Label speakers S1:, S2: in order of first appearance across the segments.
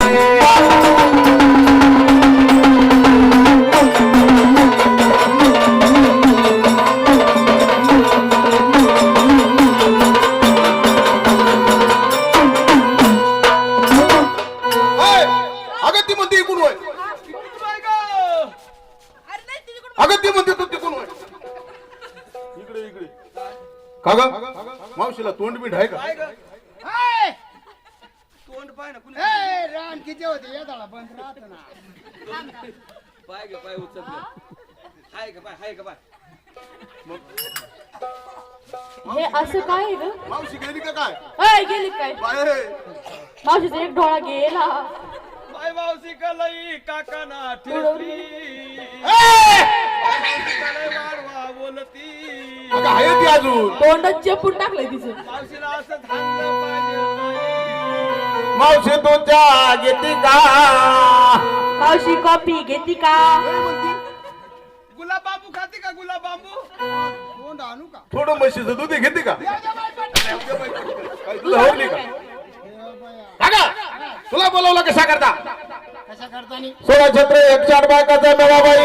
S1: कागा मावशीला तोंड बीट आहे का?
S2: तोंड पाय ना कुणी
S3: रान किती होते येताला बंद राहत ना
S2: पाय गे पाय उचल हाय का पाय
S4: हे असं काय आहे ग?
S1: मावशी गेली का काय?
S4: अय गेली काय?
S1: बाय
S4: मावशीचा एक डोळा गेला.
S2: पाय मावशी कलाई काका ना ठेवली वाढवा बोलती
S1: अगं आहे ती अजून.
S4: तोंडात चेपून टाकलंय तिचं.
S2: मावशीला असं थांबलं पाहिजे
S1: मावशी तू चहा घेते का?
S4: मावशी कॉफी घेती का?
S2: गुलाब बांबू खाते का गुलाब बांबू
S3: तोंड आणू का
S1: थोडं म्हशीचं दूध घेते का? काय तुला हवली का? काका तुला बोलवलं कशा करता?
S3: कशा करतानी
S1: 16 छत्र 104 बायकाचा मेवाबाई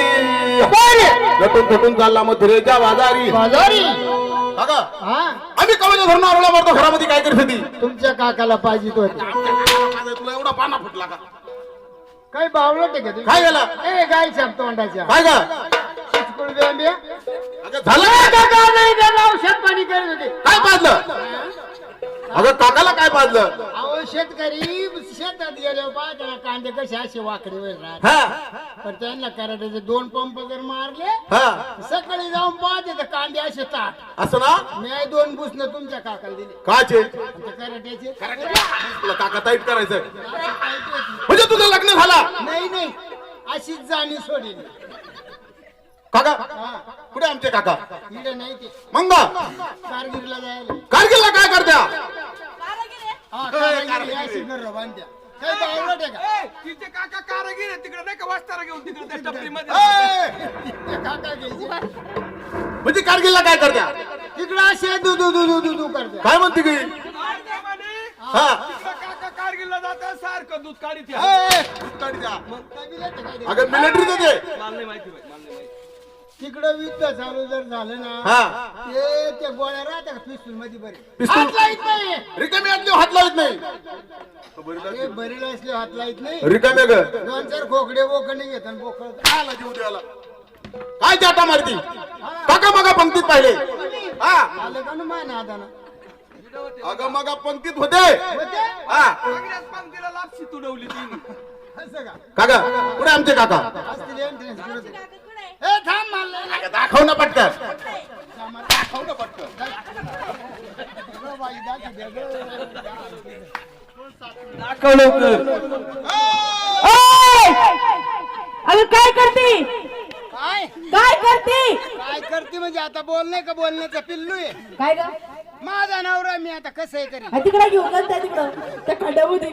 S1: लटून थटून चालला मथुरेच्या बाजारी.
S3: बाजारी
S1: काका
S3: हा
S1: आम्ही कवच धरून आरोला मारतो घरामध्ये काय करत होती?
S3: तुमच्या काकाला पाहिजे होते
S1: तुला एवढा पाना फुटला का?
S3: काही बावळट आहे का तुम्ही?
S1: काय झालं?
S3: ए गाय छाप तोंडाच्या
S1: काय का?
S3: चिचकुळ बेंब्या
S1: अगं झालं काय?
S3: काका नाही त्याला औषध पाणी करत होते
S1: काय पाजलं? अगं काकाला काय पाजलं?
S3: अहो शेतकरी शेतात गेले पाहता कांदे कसे असे वाकडे वेळ राहत
S1: हा
S3: पण त्यांना कराट्याचे 2 पंप जर मारले
S1: हा
S3: सकाळी जाऊन पाहते तर कांदे असे ताट
S1: असं ना?
S3: मी 2 बुसणं तुमच्या काकाला दिले
S1: काचे
S3: आणि ते कराट्याचे
S1: तुला काका ताईट करायचंय म्हणजे तुझं लग्न झाला?
S3: नाही नाही अशीच जाणी सोडली
S1: काका कुठे आमचे काका?
S3: इकडे नाही ते
S1: मंग
S3: कारगिरीला जायला
S1: कारगिलला काय करत्या?
S3: हा कारगिरी अशी घर बांधत्या काही बावळट आहे का
S2: तिचे काका कारागीर आहे तिकडे नाही का वाचतारा घेऊन तिकडे त्या टपरी मध्ये
S1: ए!
S3: ते काका घ्यायचे
S1: म्हणजे कारगिलला काय करत्या?
S3: तिकडे असे दू दू दू दू दू दू करते
S1: काय म्हणते की? हा
S2: काका कारगिलला जातात सारखं दूध काढीत या.
S1: अगं मिलिटरी ते
S2: मला नाही माहिती बाई, मला नाही माहिती.
S3: तिकडं युद्ध चालू जर झालं ना
S1: हा
S3: ते गोळ्या राहत्या का पिस्तूल मध्ये बरे
S1: पिस्तूल?
S3: हात लाईत नाही
S1: रिकामी आतली हात लावत नाही.
S3: ते बरीला असले हात लाईत नाही
S1: रिकामे ग
S3: 2-4 खोकडे बोकडे घेतात बोकड
S1: आला जीव द्यायला. काय चाटा मारती? काका मगा पंक्तीत पाहिले. हा
S3: आलं का ना माय नादाना
S1: अगं मगा पंक्तीत होते.
S3: होते?
S1: हा
S2: काँग्रेस पंक्तीला लापशी तुडवली तिने.
S3: असं का
S1: काका कुठे आमचे काका?
S3: असतील entrance करत. ए थांब मला
S1: अगं दाखव ना पटकन.
S3: दाखव ना पटकन बाई दाखव दे गं.
S2: दाखव लवकर.
S4: अगं काय करते?
S3: काय
S4: काय करते?
S3: काय करते म्हणजे आता बोलणे का बोलण्याचा पिल्लू आहे
S4: काय ग?
S3: माझा नवरा मी आता कसं आहे करी
S4: तिकडे घेऊन जात तिकडं त्या खड्ड्यामध्ये.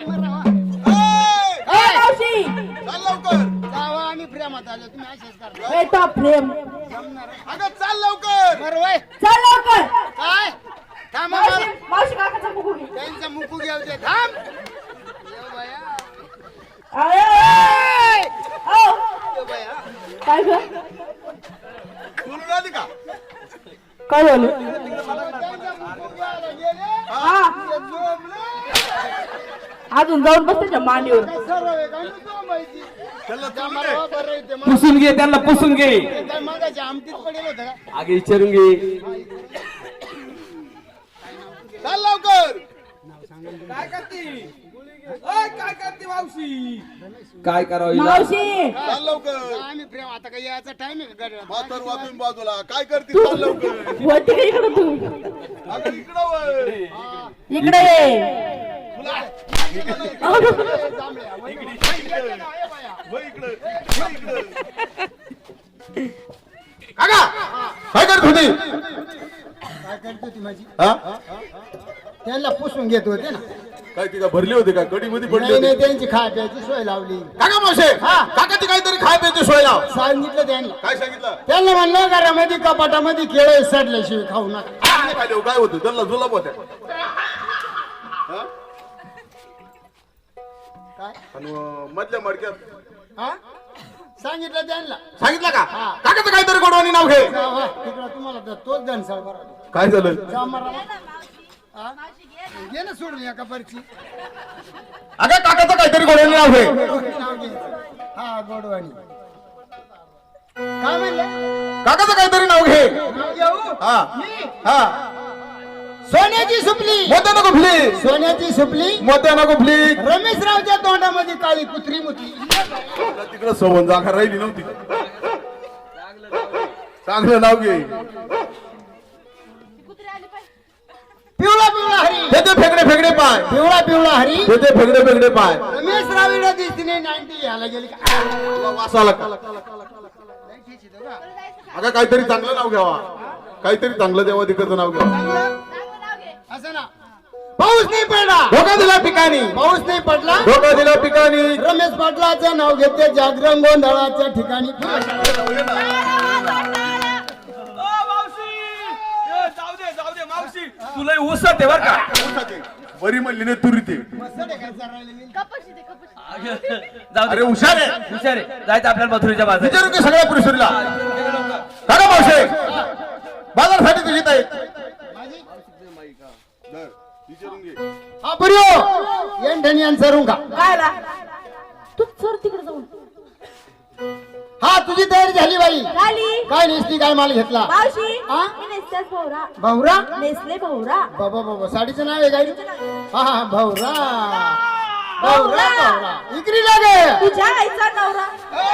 S1: ए,
S4: ए, मावशी
S1: चाल लवकर.
S3: जावा आम्ही प्रेमात आलो तुम्ही असेच करता
S4: ए तो प्रेम
S3: जमणार आहे?
S1: अगं चाल लवकर.
S3: बरं वय
S4: चल लवकर.
S3: काय थांबा
S4: मावशी
S3: मला.
S4: मावशी काकाचा मुकू घे.
S3: त्यांचा मुकू घेऊ दे थांब ये बया,
S4: अरे ओ,
S3: ये बया.
S4: काय ग?
S1: बोलून आली का?
S4: काय झालं?
S3: त्यांचा मुकू घ्यायला गेले
S4: हा
S3: ते झोपले.
S4: अजून जाऊन बस त्याच्या मांडीवर.
S3: काय सर्व आहे का? नु झोपायची.
S1: त्याला चालू
S3: मला
S1: दे.
S3: बरं आहे ते. मग
S2: पुसून घे त्यांना पुसून घे
S3: ते काय मगाशी आमटीत पडेल होतं का
S2: आगे विचारून घे
S1: चाल लवकर.
S2: काय करते काय करते मावशी काय करावं हिला?
S4: मावशी
S1: चाल लवकर.
S3: आम्ही प्रेम आता काही याचा टाइम आहे का गड्या?
S1: म्हातार वाजून बाजूला काय करते? चाल लवकर.
S4: होती का इकडं तू?
S1: अगं इकडं वळ.
S4: इकडे ये.
S3: जांभळ्या, वय इकडे.
S1: वळ इकडं. वळ इकडं. काका काय करत होती?
S3: काय करते ती माझी
S1: हा
S3: त्यांना पुसून घेत होते ना
S1: काय ती का भरली होती का? कडी मध्ये पडली
S3: नाही नाही
S1: होती?
S3: त्यांची खाय प्यायची सोय लावली
S1: काका मावशे काका ती काहीतरी खाय प्यायची सोय लाव.
S3: सांगितलं त्यांना
S1: काय सांगितलं?
S3: त्यांना म्हणलं घरामध्ये कपाटामध्ये केळे सडल्याशिवाय खाऊ नका
S1: काय खाली हो, काय होतं? त्यांना जुलाब होत्या. हा?
S3: काय
S1: आणि मधल्या मडक्यात
S3: हा सांगितलं त्यांना
S1: सांगितलं का
S3: हा.
S1: काकाचं काहीतरी गोडवानी नाव घे
S3: तिकडं तुम्हाला तर तोच धनसळ बरा
S1: काय झालं
S3: घे ना सोडून एका परची
S1: अगं काकाचं काहीतरी गोडवानी नाव घे
S3: नाव घ्यायचं हा गोडवाणी काय म्हणले
S1: काकाचं काहीतरी नाव घे
S3: नाव घेऊ
S1: हा
S3: मी?
S1: हा
S3: सोन्याची सुपली
S1: मोत्या नको फुली
S3: सोन्याची सुपली
S1: मोत्या नको फुली
S3: रमेशरावच्या तोंडामध्ये काळी कुत्री मुतली
S1: तिकडं सोबत जागा राहिली नव्हती चांगलं नाव घे
S3: पिवळा पिवळा हरी
S1: ते फेकडे फेकडे पाय
S3: पिवळा पिवळा हरी
S1: ते फेकडे फेकडे पाय
S3: रमेशराव इकडे दिसतीने 90 घ्यायला गेली का
S1: वासाला अगं काहीतरी चांगलं नाव घ्यावा काहीतरी चांगलं देवा तिकडचं नाव घ्यावा
S3: असं ना पाऊस नाही पडला
S1: धोका दिला पिकानी
S3: पाऊस नाही पडला
S1: धोका दिला पिकानी
S3: रमेश पाटलाचं नाव घेते जागरण गोंधळाच्या ठिकाणी
S2: जाऊ दे मावशी तुला उसत आहे बर का
S1: बरी म्हणली नाही तुरी ते
S2: जाऊ
S1: अरे
S2: दे
S1: हुशार आहे
S2: हुशार आहे जायचं आपल्याला मथुरीच्या बाजार
S1: विचारू की सगळ्या पुरुषाला काका मावशे बाजारसाठी तुझी ताई विचारून घे
S3: हा बरिओ येंढणी यांचं का
S4: काय ला तू सर तिकडे जाऊन
S3: हा तुझी तयारी झाली बाई
S4: झाली
S3: काय नेसली काय माल घेतला
S4: मावशी
S3: हा?
S4: मी नेसल्याच भवरा
S3: भाऊरा
S4: नेसले भवरा
S3: बाबा बाबा साडीचं नाव आहे काय हा हा भाऊरा भाऊरा भाऊरा इकरी लागे
S4: तुझ्या आईचा नवरा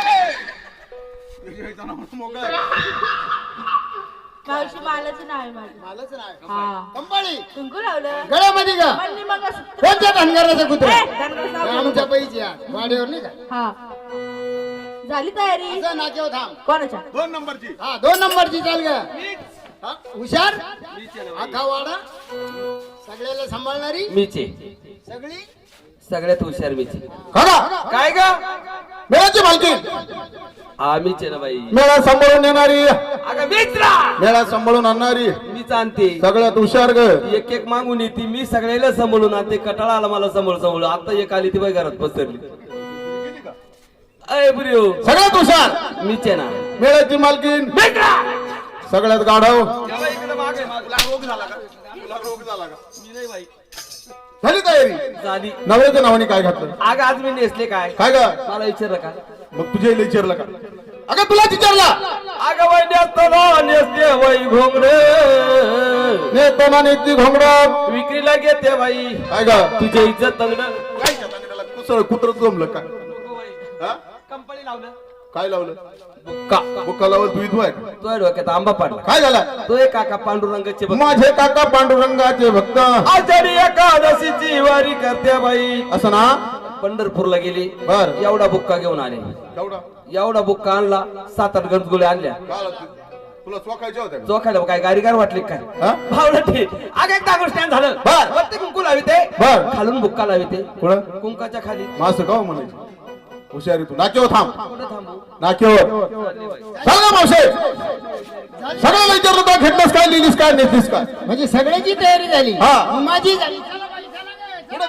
S4: मावशी मालाचं नाव आहे माझं
S3: मालाचं नाव
S4: हा
S3: कंपनी
S4: कुंकू लावलं
S3: गळ्यामध्ये का
S4: मन्नी मग
S3: कोणत्या धनगराचं कुत्रा
S4: धनगर नाव
S3: आमच्या पैसे वाडीवर नाही का
S4: हा झाली तयारी
S3: असं नाक्यावर थांब
S4: कोणाच्या
S1: 2 नंबरची
S3: हा 2 नंबरची चाल ग हा, हुशार आखा वाडा सगळ्याला सांभाळणारी
S2: मीचे
S3: सगळी
S2: सगळ्यात हुशार मीचे
S1: काका
S2: काय ग
S1: मेळाची मालकी
S2: आम्हीच आहे ना बाई
S1: मेळा सांभाळून येणारी
S2: अगं मीच ना
S1: मेळा सांभाळून आणणारी
S2: मीच आणते
S1: सगळ्यात हुशार ग
S2: एक एक मागून येते मी सगळ्याला सांभाळून आणते कटाळा आला मला सांभाळून आता एक आली ती बाई घरात पसरली अय ब्रिओ
S1: सगळ्यात हुशार
S2: मीच आहे ना
S1: मेळ्याची मालकीन सगळ्यात गाढव झाली तयारी
S2: झाली
S1: नवऱ्याच्या नावाने काय घातलं
S2: अगं आज मी नेसले काय
S1: काय ग
S2: मला विचारलं का
S1: मग तुझ्या विचारलं का अगं तुला विचारला
S2: अगं वय नेसते वय घोंगडे
S1: नेताना नेती घोंगड
S2: विक्रीला घेते बाई
S1: काय ग
S2: तुझ्या इज्जत तंगड
S1: काय कुसळ कुत्र जमलं काय हा?
S2: कंपनी लावलं
S1: काय लावलं
S2: बुक्का
S1: बुक्का लावलं तू इथं आहे का?
S2: तो डोक्यात आंबा पाडला
S1: काय झालं
S2: तो एक काका पांडुरंगाचे भक्त
S1: माझे काका पांडुरंगाचे भक्त
S2: आषाढी एकादशीची वारी करते बाई
S1: असं ना
S2: पंढरपूरला गेली
S1: बर
S2: एवढा बुक्का घेऊन आले
S1: तेवढा
S2: एवढा बुक्का आणला 7-8 गंजगुळे आणल्या
S1: तुला चोखायच्या होत्या का?
S2: चोखायला काय गाडीगार वाटली काय
S1: हा?
S2: भावलं आग एक दागड स्टँड झालं
S1: बर.
S2: वरती कुंकू लावी ते
S1: बर.
S2: खालून बुक्का लावी ते
S1: कुठं
S2: कुंकाच्या खाली
S1: मास का म्हणायचं हुशारी तू नाक्यावर थांब
S2: कुठं थांबू
S1: नाक्यावर सांग ना मावशे सगळ्याला विचारलं का घेतलंस काय लिहिलीस काय नेतीस काय
S3: म्हणजे सगळ्याची तयारी झाली
S1: हा.
S3: मग माझी झाली चला बाई, चला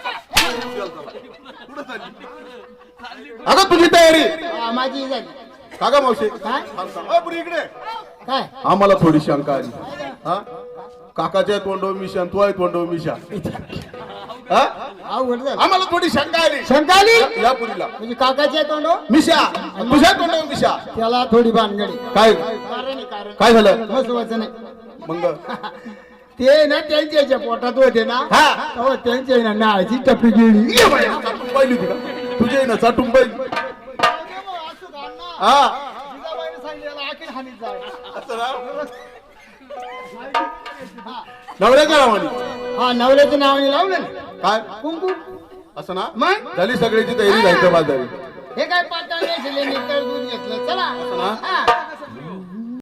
S3: ग.
S1: अगं तुझी तयारी
S3: हा, माझी झाली
S1: काका मावशे
S3: काय
S1: इकडे
S3: काय
S1: आम्हाला थोडी शंका आली हा काकाच्या तोंडव मिशा तू आहे तोंडव मिशा हा
S3: अवघड झालं
S1: आम्हाला थोडी शंका आली
S3: शंका आली
S1: या पुरीला
S3: म्हणजे काकाच्या तोंडो
S1: मिशा तुझ्या तोंडव मिशा
S3: त्याला थोडी भानगडी
S1: काय
S3: कारण आहे, कारण
S1: काय झालं
S3: महत्वाचं नाही
S1: मग
S3: ते ना त्यांच्या पोटात होते ना
S1: हा.
S3: तेव्हा त्यांच्या ना नाळची टपी गेली
S1: चाटून पाहिली होती का तुझे ना चाटून पाहिली हा असं ना? नवऱ्याच्या नावाने
S3: हा नवऱ्याच्या नावाने लावलं ना
S1: काय
S3: कुंकू
S1: असं ना
S3: मग
S1: झाली सगळ्याची तयारी जायचं बाजारी
S3: हे काय पातळ नेसले दूध घेतलं चला
S1: ना?
S3: हा.